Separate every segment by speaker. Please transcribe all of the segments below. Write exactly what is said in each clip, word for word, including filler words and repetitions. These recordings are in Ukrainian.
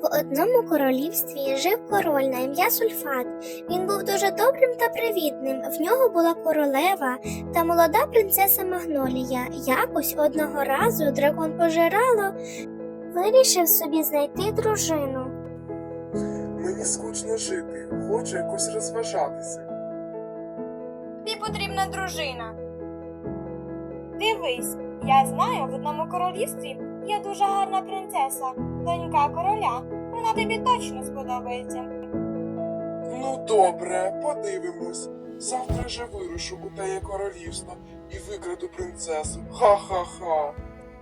Speaker 1: одному королівстві жив король на ім'я Сульфат. Він був дуже добрим та привітним. В нього була королева та молода принцеса Магнолія. Якось одного разу дракон Пожирало вирішив собі знайти дружину.
Speaker 2: Мені скучно жити, хочу якось розважатися.
Speaker 3: Тобі потрібна дружина. Дивись, я знаю, в одному королівстві є дуже гарна принцеса, донька короля. Вона тобі точно сподобається.
Speaker 2: Ну добре, подивимось. Завтра же вирушу у теє королівство і викраду принцесу. Ха-ха-ха.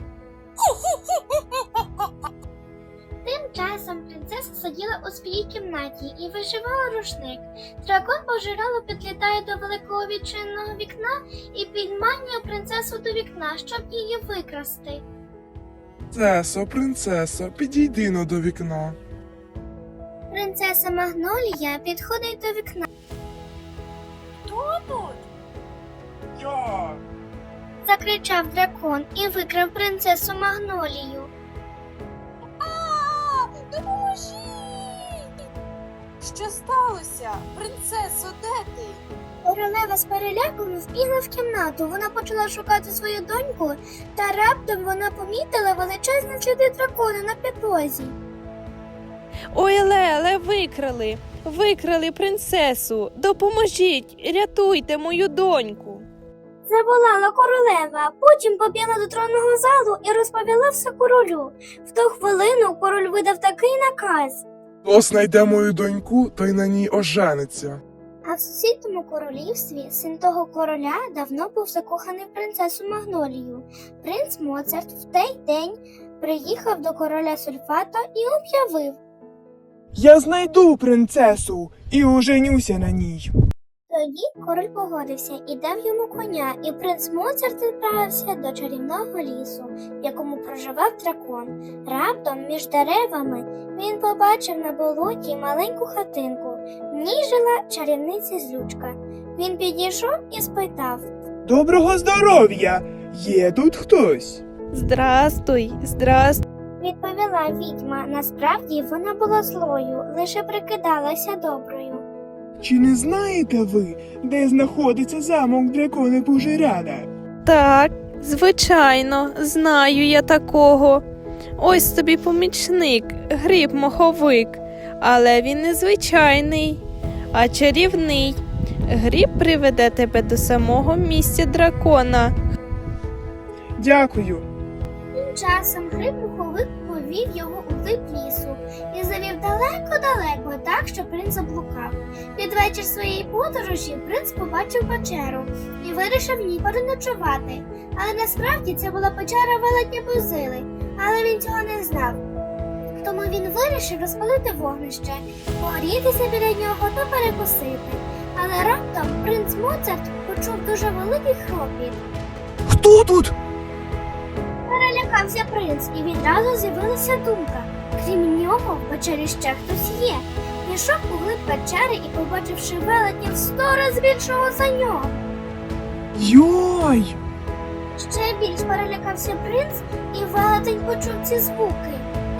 Speaker 1: Тим часом принцеса сиділа у своїй кімнаті і вишивала рушник. Дракон Пожирало підлітає до великого відчиненого вікна і підманює принцесу до вікна, щоб її викрасти.
Speaker 2: Принцесо, принцесо, підійди но до вікна.
Speaker 1: Принцеса Магнолія підходить до вікна.
Speaker 3: Хто тут?
Speaker 2: Я!
Speaker 1: Закричав дракон і викрав принцесу Магнолію.
Speaker 3: А, допоможіть! Що сталося? Принцесо, де ти?
Speaker 1: Королева з переляком вбігла в кімнату. Вона почала шукати свою доньку, та раптом вона помітила величезні сліди дракона на підлозі.
Speaker 4: Ой, Леле, викрали, викрали принцесу. Допоможіть, рятуйте мою доньку.
Speaker 1: Заволала королева, потім побігла до тронного залу і розповіла все королю. В ту хвилину король видав такий наказ.
Speaker 2: Хто знайде мою доньку, той на ній ожениться.
Speaker 1: А в сусідньому королівстві син того короля давно був закоханий в принцесу Магнолію. Принц Моцарт в той день приїхав до короля Сульфата і об'явив.
Speaker 5: Я знайду принцесу і оженюся на ній.
Speaker 1: Тоді король погодився і дав йому коня, і принц Моцарт відправився до чарівного лісу, в якому проживав дракон. Раптом між деревами він побачив на болоті маленьку хатинку. В ній жила чарівниця Злючка. Він підійшов і спитав.
Speaker 5: Доброго здоров'я! Є тут хтось?
Speaker 4: Здрастуй, здрастуй.
Speaker 1: Відповіла відьма. Насправді вона була злою, лише прикидалася доброю.
Speaker 5: Чи не знаєте ви, де знаходиться замок дракона Пожирала?
Speaker 4: Так, звичайно, знаю я такого. Ось тобі помічник, гриб-моховик. Але він не звичайний, а чарівний. Гриб приведе тебе до самого місця дракона.
Speaker 5: Дякую.
Speaker 1: Тим часом гриб-муховик повів його у глиб лісу і завів далеко-далеко, так, що принц заблукав. Під вечір своєї подорожі принц побачив печеру і вирішив в ній переночувати. Але насправді це була печера велетня Бузили, але він цього не знав. Тому він вирішив розпалити вогнище, погрітися біля нього та перекусити. Але раптом принц Моцарт почув дуже великий хропіт.
Speaker 5: Хто тут?
Speaker 1: Перелякався принц, і відразу з'явилася думка. Крім нього, в печері ще хтось є. Пішов у глиб печери і, побачивши велетня в сто разів більшого за нього.
Speaker 5: Йой!
Speaker 1: Ще більш перелякався принц, і велетень почув ці звуки.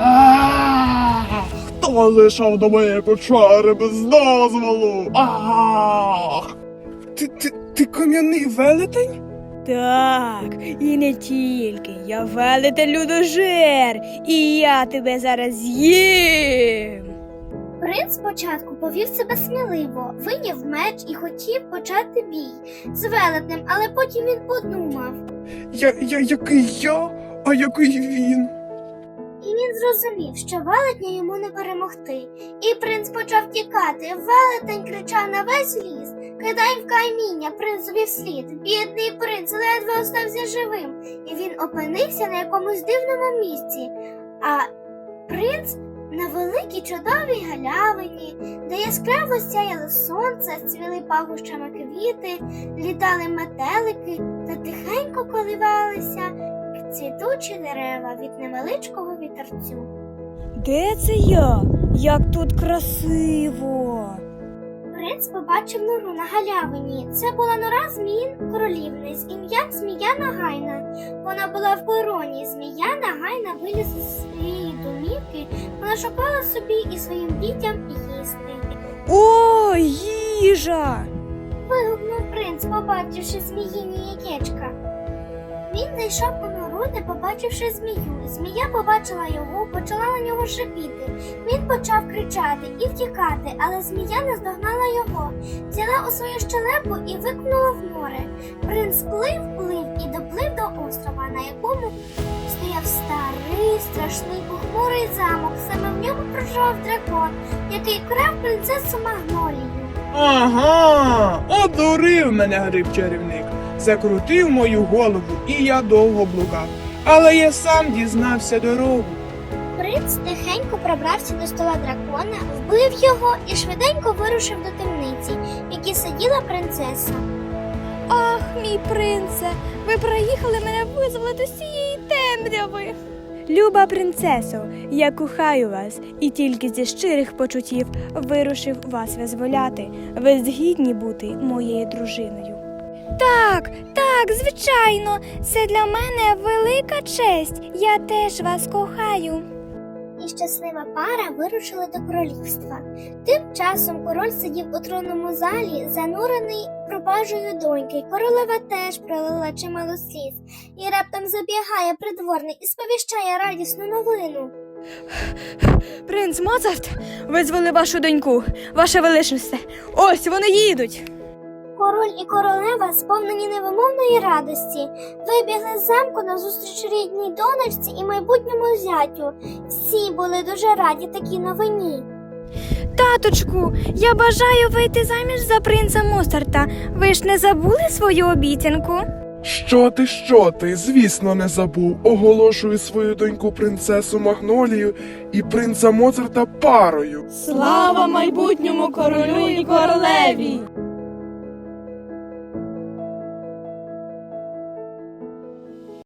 Speaker 5: А-а-а! Хто зайшов до моєї печери без дозволу? Ах! Ти, ти, ти кам'яний велетень?
Speaker 6: Так, і не тільки. Я велетень людожер, і я тебе зараз з'їм.
Speaker 1: Принц спочатку повів себе сміливо, вийняв меч і хотів почати бій з велетнем, але потім він подумав.
Speaker 5: Я, я, який я, а який він?
Speaker 1: І він зрозумів, що велетня йому не перемогти. І принц почав тікати. Велетень кричав на весь ліс. Кидай в каміння принцові вслід. Бідний принц ледве остався живим. І він опинився на якомусь дивному місці. А принц на великій чудовій галявині, де яскраво сяяло сонце, цвіли пахощами квіти, літали метелики та тихенько коливалися цвітучі дерева від невеличкого вітерцю.
Speaker 6: Де це я? Як тут красиво!
Speaker 1: принц побачив нору на галявині. Це була нора зміїн королівни з ім'ям Змія Нагайна. Вона була в короні. Змія Нагайна вилізла з своєї домівки. Вона шукала собі і своїм дітям їсти.
Speaker 6: О, їжа!
Speaker 1: Вигукнув принц, побачивши зміїні яєчка. Він зайшов у нору, не побачивши змію. Змія побачила його, почала на нього шипіти. Він почав кричати і втікати, але змія наздогнала його, взяла у свою щелепу і викинула в море. Принц плив, плив і доплив до острова, на якому стояв старий, страшний похмурий замок. Саме в ньому проживав дракон, який крав принцесу Магнолію.
Speaker 5: Ага, одурив мене гриб-чарівник. Закрутив мою голову, і я довго блукав. Але я сам дізнався дорогу.
Speaker 1: Принц тихенько пробрався до стола дракона, вбив його і швиденько вирушив до темниці, в якій сиділа принцеса.
Speaker 6: Ах, мій принце, ви приїхали мене визволити з цієї темряви. Люба принцесо, я кохаю вас і тільки зі щирих почуттів вирушив вас визволяти. Ви згідні бути моєю дружиною. Так, так, звичайно, це для мене велика честь. Я теж вас кохаю.
Speaker 1: І щаслива пара вирушила до королівства. Тим часом король сидів у тронному залі, занурений пропажею доньки. Королева теж пролила чимало сліз. І раптом забігає придворний і сповіщає радісну новину.
Speaker 6: Принц Моцарт визвали вашу доньку, ваша величність. Ось вони їдуть.
Speaker 1: Король і королева, сповнені невимовної радості, вибігли з замку назустріч рідній донечці і майбутньому зятю. Всі були дуже раді такій новині.
Speaker 6: Таточку, я бажаю вийти заміж за принца Моцарта. Ви ж не забули свою обіцянку?
Speaker 2: Що ти, що ти? Звісно, не забув. Оголошую свою доньку принцесу Магнолію і принца Моцарта парою.
Speaker 4: Слава майбутньому королю і королеві!